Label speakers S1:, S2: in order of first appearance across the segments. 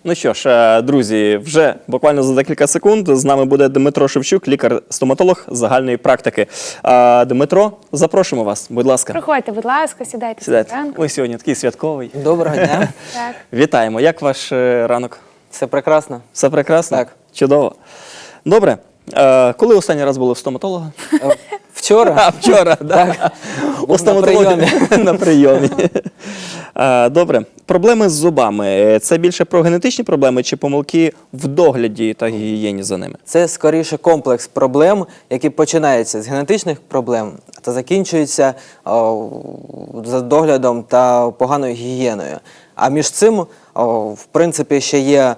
S1: Ну що ж, друзі, вже буквально за декілька секунд з нами буде Дмитро Шевчук, лікар-стоматолог загальної практики. Дмитро, запрошуємо вас, будь ласка.
S2: Проходьте, будь ласка, сідайте.
S1: Сідайте. Ой, сьогодні такий святковий.
S3: Доброго дня.
S2: Так.
S1: Вітаємо. Як ваш ранок?
S3: Все прекрасно.
S1: Все прекрасно?
S3: Так.
S1: Чудово. Добре. Коли останній раз були в стоматолога?
S3: Вчора.
S1: Вчора, так. У стоматології на прийомі. Добре. Проблеми з зубами – це більше про генетичні проблеми чи помилки в догляді та гігієні за ними?
S3: Це скоріше комплекс проблем, які починаються з генетичних проблем та закінчуються за доглядом та поганою гігієною. А між цим, в принципі, ще є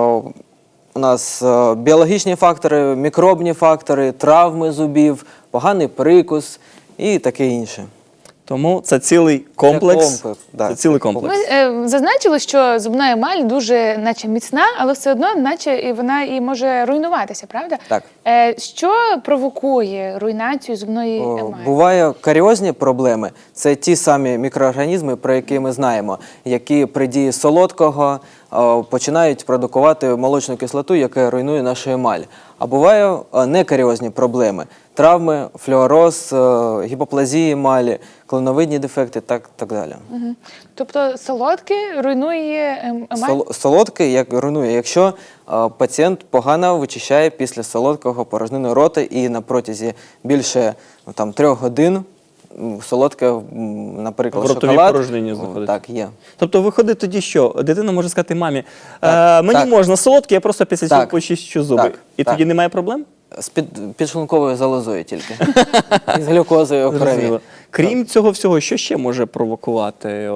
S3: у нас біологічні фактори, мікробні фактори, травми зубів, поганий прикус і таке інше.
S1: Тому це цілий комплекс.
S3: Це
S1: цілий комплекс.
S2: Ми зазначили, що зубна емаль дуже наче міцна, але все одно наче і вона і може руйнуватися, правда?
S3: Так.
S2: Що провокує руйнацію зубної емалі?
S3: Буває каріозні проблеми. Це ті самі мікроорганізми, про які ми знаємо, які при дії солодкого починають продукувати молочну кислоту, яка руйнує нашу емаль. А буває некаріозні проблеми. Травми, флюороз, гіпоплазії емалі, клиновидні дефекти, так далі.
S2: Угу. Тобто солодке руйнує емаль?
S3: Солодке як руйнує, якщо пацієнт погано вичищає після солодкого порожнину рота і на протязі більше 3 годин солодке, наприклад,
S1: в ротовій
S3: шоколад.
S1: порожнині знаходиться.
S3: Так, є.
S1: Тобто виходить тоді, що дитина може сказати мамі, мені можна солодке, я просто після цього почищу зуби.
S3: Так,
S1: і тоді немає проблем?
S3: З підшлунковою залозою тільки. І з глюкозою у крові.
S1: Крім цього всього, що ще може провокувати,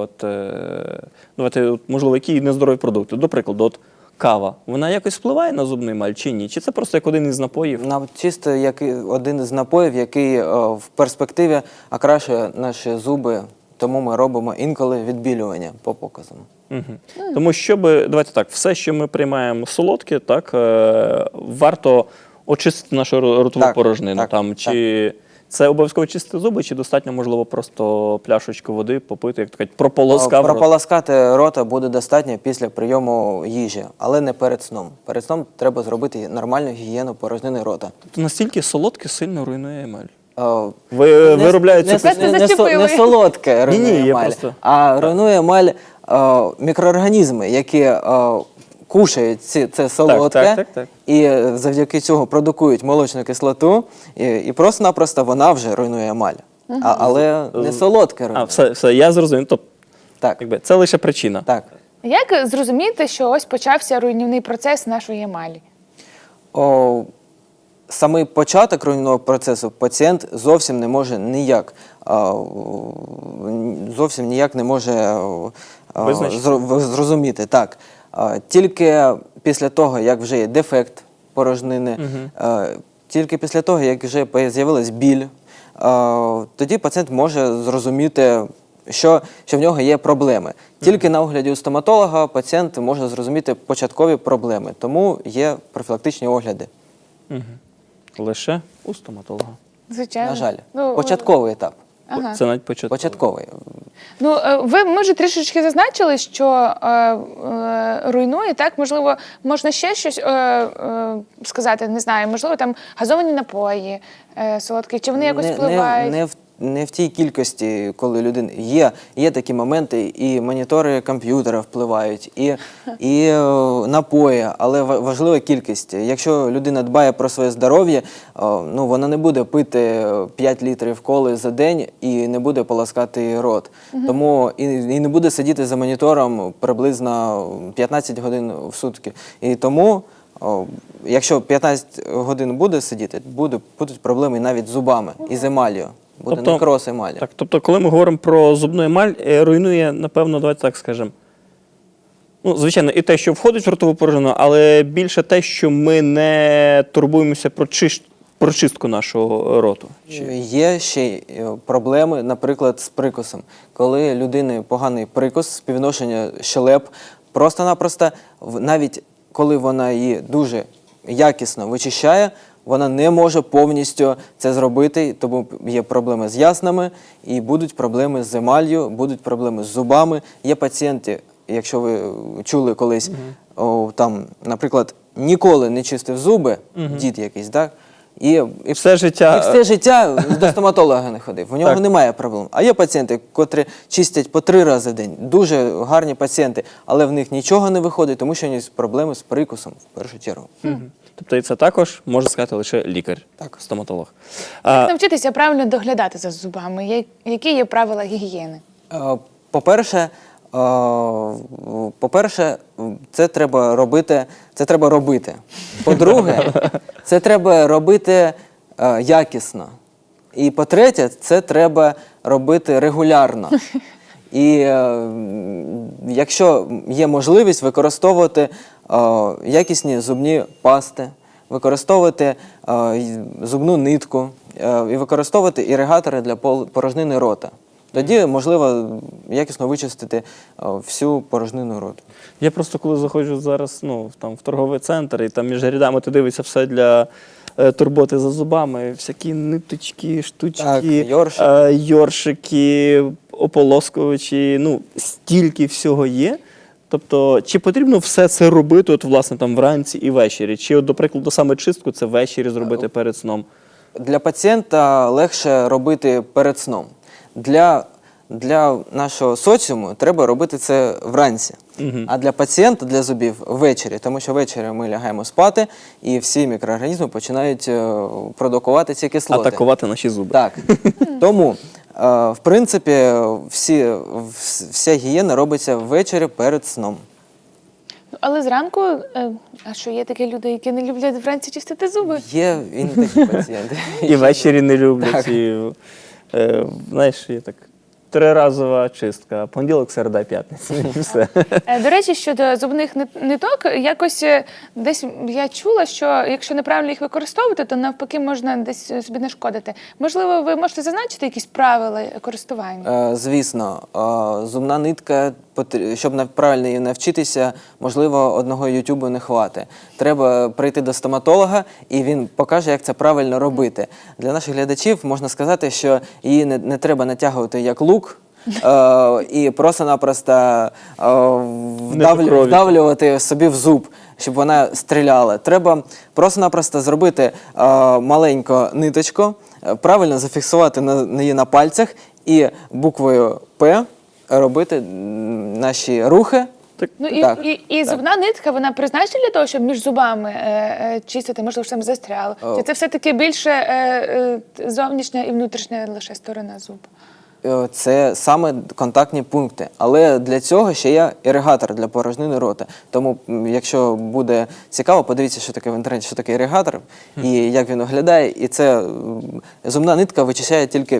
S1: давайте, можливо, які нездорові продукти? До прикладу, кава, вона якось впливає на зубну емаль чи ні? Чи це просто як один із напоїв?
S3: Чисто як один із напоїв, який в перспективі окрашує наші зуби, тому ми робимо інколи відбілювання по показам.
S1: Угу. Тому давайте так, все, що ми приймаємо солодке, так, варто очистити нашу ротову порожнину. Чи це обов'язково чистити зуби, чи достатньо, можливо, просто пляшечку води попити, як то кажуть,
S3: прополоскати рота буде достатньо після прийому їжі, але не перед сном. Перед сном треба зробити нормальну гігієну порожнини рота.
S1: Тобто настільки солодке сильно руйнує емаль? Виробляється
S3: не солодке руйнує емаль, а руйнує емаль мікроорганізми, які кушають це солодке, і завдяки цього продукують молочну кислоту, і просто-напросто вона вже руйнує емаль. Але не солодке руйнує.
S1: Все, я зрозумів. Тобто, це лише причина.
S3: Так.
S2: Як зрозуміти, що ось почався руйнівний процес нашої емалі?
S3: Самий початок руйнівного процесу пацієнт зовсім ніяк не може зрозуміти. Так. Тільки після того, як вже є дефект порожнини, тільки після того, як вже з'явилась біль, тоді пацієнт може зрозуміти, що в нього є проблеми. Тільки на огляді у стоматолога пацієнт може зрозуміти початкові проблеми, тому є профілактичні огляди.
S1: Лише у стоматолога?
S2: Звичайно.
S3: На жаль. Початковий етап.
S1: Це навіть початковий.
S3: Початковий.
S2: Ми вже трішечки зазначили, що руйнує, так? Можливо, можна ще щось сказати, не знаю, можливо, там газовані напої солодкі, чи вони якось впливають?
S3: Не в тій кількості, коли людина є такі моменти, і монітори комп'ютера впливають, і напої, але важлива кількість. Якщо людина дбає про своє здоров'я, вона не буде пити 5 літрів коли за день і не буде полоскати рот. Тому і не буде сидіти за монітором приблизно 15 годин в сутки. І тому, якщо 15 годин буде сидіти, будуть проблеми навіть з зубами і з емаллю. Буде некроз емалі.
S1: Тобто, коли ми говоримо про зубну емаль, руйнує, напевно, давайте так скажемо, звичайно, і те, що входить в ротову порожнину, але більше те, що ми не турбуємося про чистку нашого роту.
S3: Є ще проблеми, наприклад, з прикусом. Коли у людини поганий прикус, співвідношення щелеп, просто-напросто, навіть коли вона її дуже якісно вичищає, вона не може повністю це зробити, тому є проблеми з яснами, і будуть проблеми з емаллю, будуть проблеми з зубами. Є пацієнти, якщо ви чули колись, там, наприклад, ніколи не чистив зуби, дід якийсь, так? І
S1: Все життя.
S3: і все життя до стоматолога не ходив. У нього
S1: Так.
S3: немає проблем. А є пацієнти, котрі чистять по 3 рази в день. Дуже гарні пацієнти, але в них нічого не виходить, тому що у них проблеми з прикусом в першу чергу.
S1: Тобто і це також може сказати лише лікар, стоматолог.
S2: Як навчитися правильно доглядати за зубами? Які є правила гігієни?
S3: По-перше, це треба робити. По-друге, це треба робити якісно. І по-третє, це треба робити регулярно. І якщо є можливість, використовувати якісні зубні пасти, використовувати зубну нитку і використовувати іригатори для порожнини рота. Тоді можливо якісно вичистити всю порожнину роту.
S1: Я просто коли заходжу зараз в торговий центр, і там між рядами ти дивишся все для турботи за зубами, всякі ниточки, штучки,
S3: Так,
S1: йоршики, ополоскувачі, стільки всього є. Тобто, чи потрібно все це робити власне, вранці і ввечері? Чи, до прикладу, саме чистку це ввечері зробити перед сном?
S3: Для пацієнта легше робити перед сном. Для нашого соціуму треба робити це вранці. А для пацієнта, для зубів ввечері, тому що ввечері ми лягаємо спати, і всі мікроорганізми починають продукувати ці кислоти.
S1: Атакувати наші зуби.
S3: Так. Тому, в принципі, вся гігієна робиться ввечері перед сном.
S2: Але зранку, а що є такі люди, які не люблять вранці чистити зуби?
S3: Є і не такі пацієнти.
S1: І ввечері не люблять.
S3: Так.
S1: І, знаєш, є так 3-разова чистка. Понеділок, середа, п'ятниця. І все.
S2: До речі, щодо зубних ниток, якось десь я чула, що якщо неправильно їх використовувати, то навпаки можна десь собі нашкодити. Можливо, ви можете зазначити якісь правила користування?
S3: Звісно, зубна нитка, щоб правильно її навчитися, можливо, одного ютубу не хватить. Треба прийти до стоматолога, і він покаже, як це правильно робити. Для наших глядачів можна сказати, що її не треба натягувати як лук, і просто-напросто вдавлювати собі в зуб, щоб вона стріляла. Треба просто-напросто зробити маленьку ниточку, правильно зафіксувати її на пальцях і буквою «П» робити наші рухи.
S2: І зубна нитка, вона призначена для того, щоб між зубами чистити, можливо, що там застряло? Чи це все-таки більше зовнішня і внутрішня лише сторона зубу?
S3: Це саме контактні пункти. Але для цього ще є іригатор для порожнини рота. Тому, якщо буде цікаво, подивіться, що таке в інтернеті, що таке іригатор і як він виглядає. І це зубна нитка вичищає тільки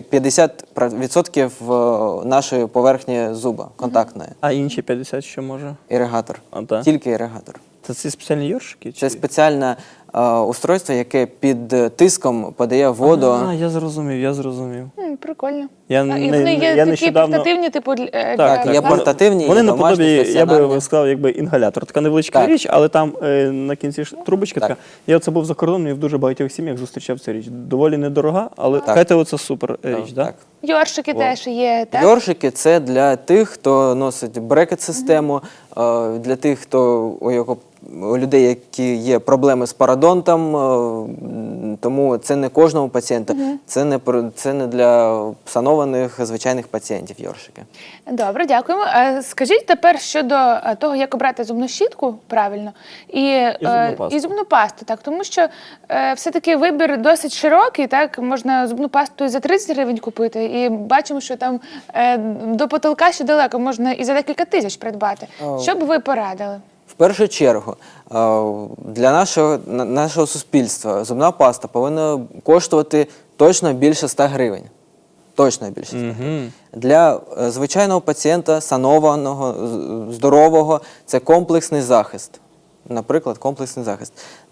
S3: 50% нашої поверхні зуба, контактної.
S1: А інші 50 що може?
S3: Іригатор.
S1: Так?
S3: Тільки іригатор.
S1: Це ці спеціальні йоршики?
S3: Це спеціальне устройство, яке під тиском подає воду.
S1: Я зрозумів.
S2: Прикольно.
S1: І
S2: вони є такі портативні, типу,
S3: Так, є портативні,
S1: вони
S3: є домашні,
S1: наподобі, я би
S3: стаціонарні.
S1: сказав, якби інгалятор. Така невеличка
S3: Так.
S1: річ, але там на кінці трубочка
S3: Так.
S1: така. Я оце був за кордоном і в дуже багатьох сім'ях зустрічав цю річ. Доволі недорога, але кажете, це супер річ, так?
S2: Йоршики теж є, так?
S3: Йоршики – це для тих, хто носить брекет-систему, для тих, хто у людей, які є проблеми з пародонтом, тому це не кожному пацієнту, це не для санованих звичайних пацієнтів йоршики.
S2: Добре, дякуємо. Скажіть тепер щодо того, як обрати зубну щітку правильно і зубну пасту, так, тому що все-таки вибір досить широкий, так, можна зубну пасту і за 30 гривень купити, і бачимо, що там до потолка ще далеко, можна і за декілька тисяч придбати. Що б ви порадили?
S3: В першу чергу, для нашого суспільства зубна паста повинна коштувати точно більше 100 гривень. Точно більше 100 гривень. Для звичайного пацієнта, санованого, здорового, це комплексний захист. Наприклад, комплексний захист.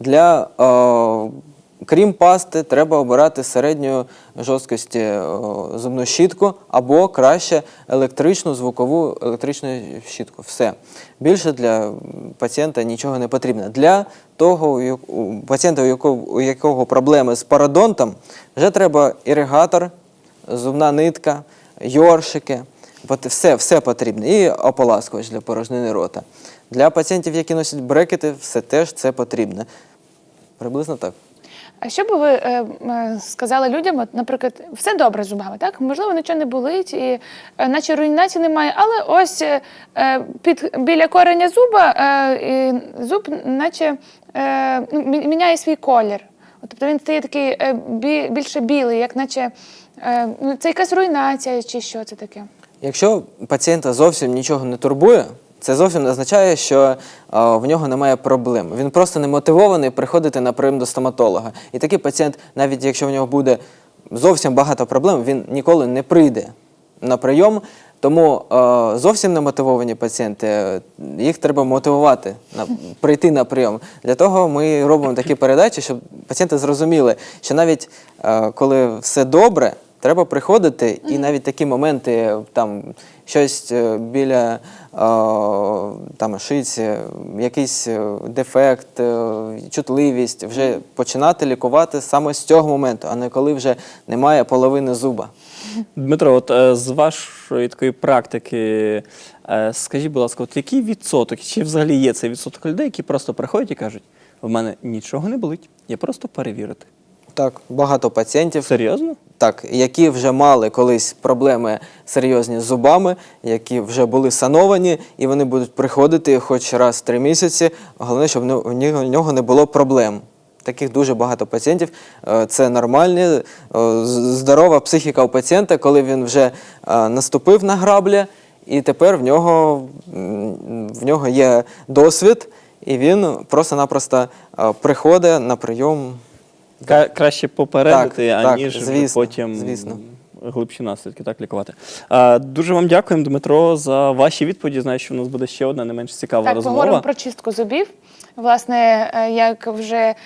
S3: Крім пасти, треба обирати середньої жорсткості зубну щітку або краще електричну щітку. Все. Більше для пацієнта нічого не потрібно. Для того пацієнта, у якого проблеми з пародонтом, вже треба іригатор, зубна нитка, йоршики. Все потрібно. І ополаскувач для порожнини рота. Для пацієнтів, які носять брекети, все теж це потрібно. Приблизно так.
S2: А що би ви сказали людям, от, наприклад, все добре з зубами, так? Можливо, нічого не болить, і наче руйнації немає, але ось біля кореня зуба і зуб наче міняє свій колір. От, тобто він стає такий більше білий, як наче це якась руйнація чи що це таке?
S3: Якщо пацієнта зовсім нічого не турбує, це зовсім не означає, що в нього немає проблем. Він просто не мотивований приходити на прийом до стоматолога. І такий пацієнт, навіть якщо в нього буде зовсім багато проблем, він ніколи не прийде на прийом. Тому зовсім немотивовані пацієнти, їх треба мотивувати прийти на прийом. Для того ми робимо такі передачі, щоб пацієнти зрозуміли, що навіть коли все добре, треба приходити, і навіть такі моменти, там щось біля шиці, якийсь дефект, чутливість, вже починати лікувати саме з цього моменту, а не коли вже немає половини зуба.
S1: Дмитро, от з вашої такої практики, скажіть, будь ласка, от який відсоток, чи взагалі є цей відсоток людей, які просто приходять і кажуть, в мене нічого не болить, я просто перевірити?
S3: Так, багато пацієнтів.
S1: Серйозно?
S3: Так, які вже мали колись проблеми серйозні з зубами, які вже були сановані, і вони будуть приходити хоч раз в 3 місяці, головне, щоб у нього не було проблем. Таких дуже багато пацієнтів. Це нормальні, здорова психіка у пацієнта, коли він вже наступив на граблі, і тепер в нього є досвід, і він просто-напросто приходить на прийом.
S1: Краще попередити, аніж
S3: звісно,
S1: потім
S3: звісно.
S1: глибші наслідки так лікувати. Дуже вам дякуємо, Дмитро, за ваші відповіді. Знаю, що в нас буде ще одна не менш цікава
S2: Так,
S1: розмова.
S2: поговоримо про чистку зубів. Власне, як вже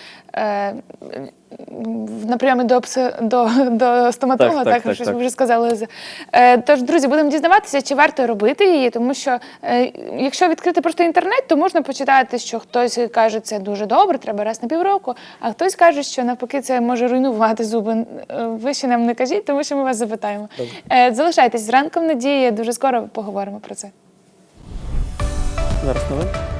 S2: на прийомі до стоматолога, так, ви вже сказали. Тож, друзі, будемо дізнаватися, чи варто робити її, тому що якщо відкрити просто інтернет, то можна почитати, що хтось каже, це дуже добре, треба раз на півроку, а хтось каже, що навпаки це може руйнувати зуби. Ви ще нам не кажіть, тому що ми вас запитаємо. Залишайтесь з ранком надії, дуже скоро поговоримо про це.
S1: Зараз новини.